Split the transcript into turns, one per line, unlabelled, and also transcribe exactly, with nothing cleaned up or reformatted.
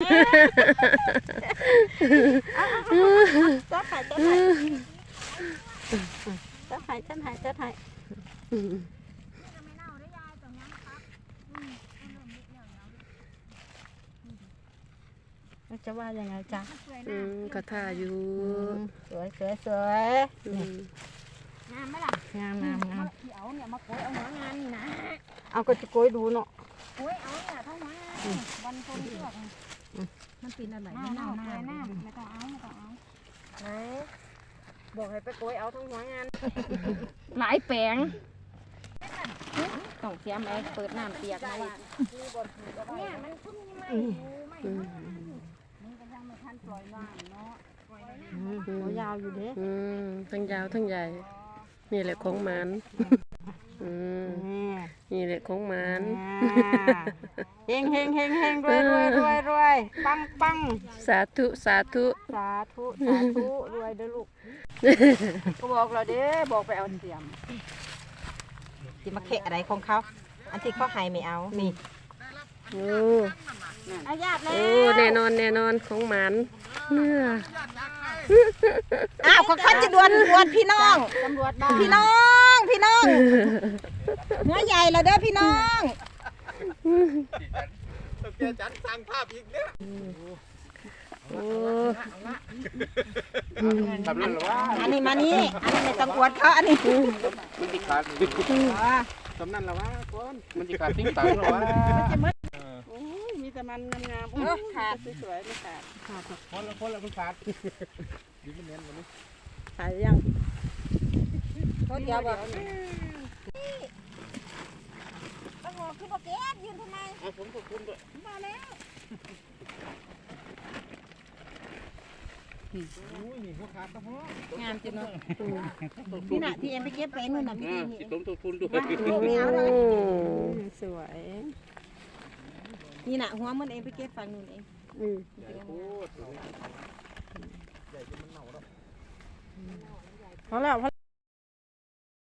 จับไห้จับไห้จับไห้จับไห้จับไห้จะว่ายังไงจ๊ะ
อืมกระทาอยู่
สวยสวยสวยงามไหมล่ะงามงามงามเอาเนี่ยมาโกยเอาหัวงานนี่นะเอาก็จะโกยดูเนาะโกยเอาเนี่ยเท่าหัววันคนเชือกมันปีนอะไรไม่เน่าหน้าไม่ต้องเอาไม่ต้องเอาไหนบอกให้ไปโกยเอาทั้งหัวงานหลายแปลงต้องเสียมไอ้เปิดน้ำเปียกมาเนี่ยมันทุ่มยังไงไม่มันก็ยังไม่ทันปล่อยว่างเนาะปล่อยน้ำยาวอยู่เด้
อืมทั้งยาวทั้งใหญ่นี่แหละของหมันอืมนี่แหละของหมัน
เฮงเฮงเฮงเฮงรวยรวยรวยรวยปังปัง
สาธุสาธุ
สาธุสาธุรวยเด้อลูกก็บอกเราเด้บอกไปเอาเสียมที่มาเคะอะไรของเขาอันที่เขาให้ไม่เอานี่
โอ้
อาญาติเลย
โอ้แน่นอนแน่นอนของหมันเนื้อ
อ้าวของเขาจะดวนดวนพี่น้องตำรวจบ้านพี่น้องพี่น้องเนื้อใหญ่แล้วเด้อพี่น้อง
เจอจันสร้างภาพอีกเนี่ย
โอ้
ทำนั่นหรอวะ
อันนี้มานี่อันนี้ไม่ต้องอวดเขาอันนี้
มันจะขาดทำนั่นหรอวะคนมันจะขาดทิ้งตังหรอวะ
มีแต่มันงามๆขาดสวยๆไม่ขาดขาด
คนละคนละคนขาดดีไม่เน้นวันนี้
ขาดยังเขาเดียวแบบโอ้โหคือบอกเก็บยืนทำไม
ผมขอบคุณด้วย
มาแล้ว
นี่หัวขาดก็พอง
ามจริงเนาะนี่น่ะที่เอ็มไปเก็บไปนู่นน่ะพี่
ที่ต้มตัวคุณด้วย
ไม่เอาเลยสวยนี่น่ะหัวมันเองไปเก็บฝั่งนู่นเองอืมพอแล้วพอ